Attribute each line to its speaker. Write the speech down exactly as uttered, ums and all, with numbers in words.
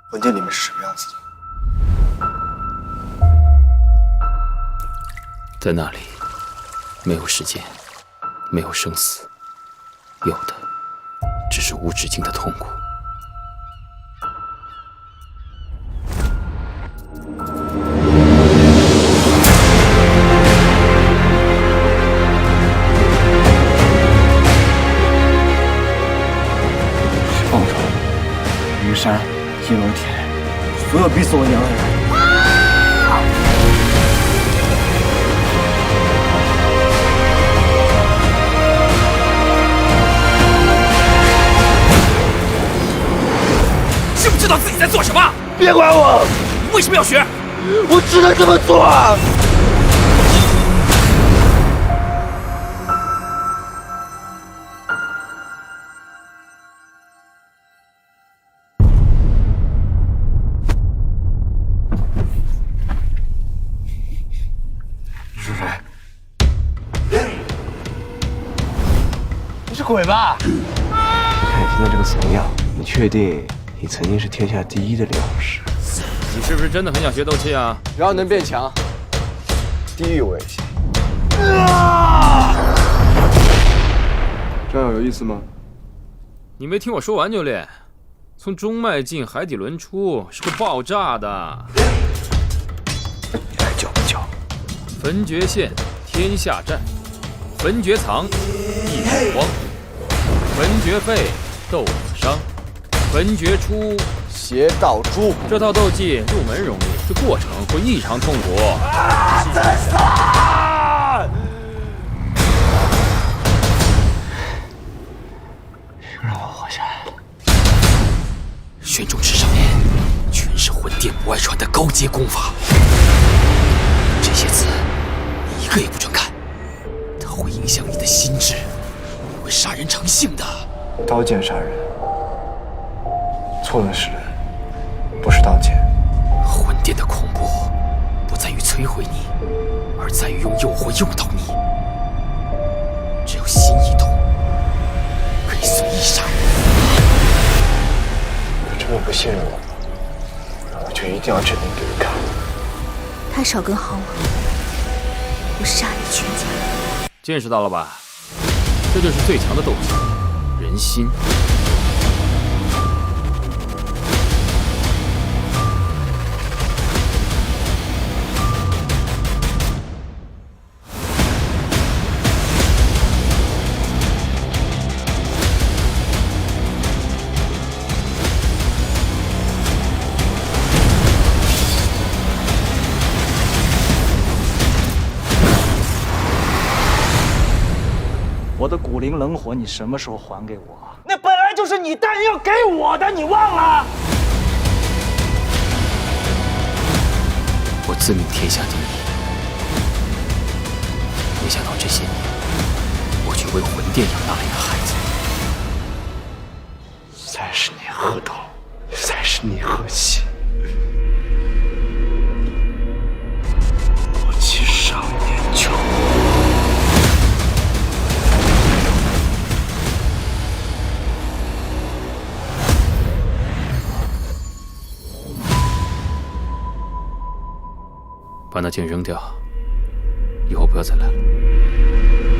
Speaker 1: 魂殿里面是什么样子的？
Speaker 2: 在那里，没有时间，没有生死，有的只是无止境的痛苦。
Speaker 3: 报仇！虞山、叶罗天，所有逼死我娘的人！
Speaker 2: 知不知道自己在做什么？
Speaker 3: 别管我！
Speaker 2: 你为什么要学？
Speaker 3: 我只能这么做啊！你是谁？你是鬼吧？看你现在这个怂样，你确定？ 你曾经是天下第一的炼武士，
Speaker 2: 你是不是真的很想学斗气啊？
Speaker 3: 只要能变强，地狱我也行。这样有意思吗？
Speaker 2: 你没听我说完就练，从中脉进海底轮出是会爆炸的。
Speaker 3: 你还叫不叫？
Speaker 2: 焚绝线，天下战；焚绝藏，一火光；焚绝肺，斗子伤。 焚绝出
Speaker 3: 邪道诛，
Speaker 2: 这套斗技入门容易，这过程会异常痛苦。
Speaker 3: 啊！自杀！让我活下来。
Speaker 2: 玄中池上面全是魂殿不外传的高阶功法，这些字你一个也不准看，它会影响你的心智，会杀人成性的。
Speaker 3: 刀剑杀人。 错的是人，不是刀剑。
Speaker 2: 魂殿的恐怖不在于摧毁你，而在于用诱惑诱导你。只有心一动，可以随意杀人。
Speaker 3: 你这么不信任我，我就一定要证明给你看。
Speaker 4: 他少根毫毛，我杀你全家。
Speaker 2: 见识到了吧？这就是最强的斗技——人心。
Speaker 5: 我的古灵冷火，你什么时候还给我？
Speaker 6: 那本来就是你答应要给我的，你忘了？
Speaker 2: 我自命天下第一，没想到这些年，我却为魂殿养大了一个孩子。
Speaker 3: 三十年河东，三十年河西。我欺少年穷。
Speaker 2: 把那剑扔掉，以后不要再来了。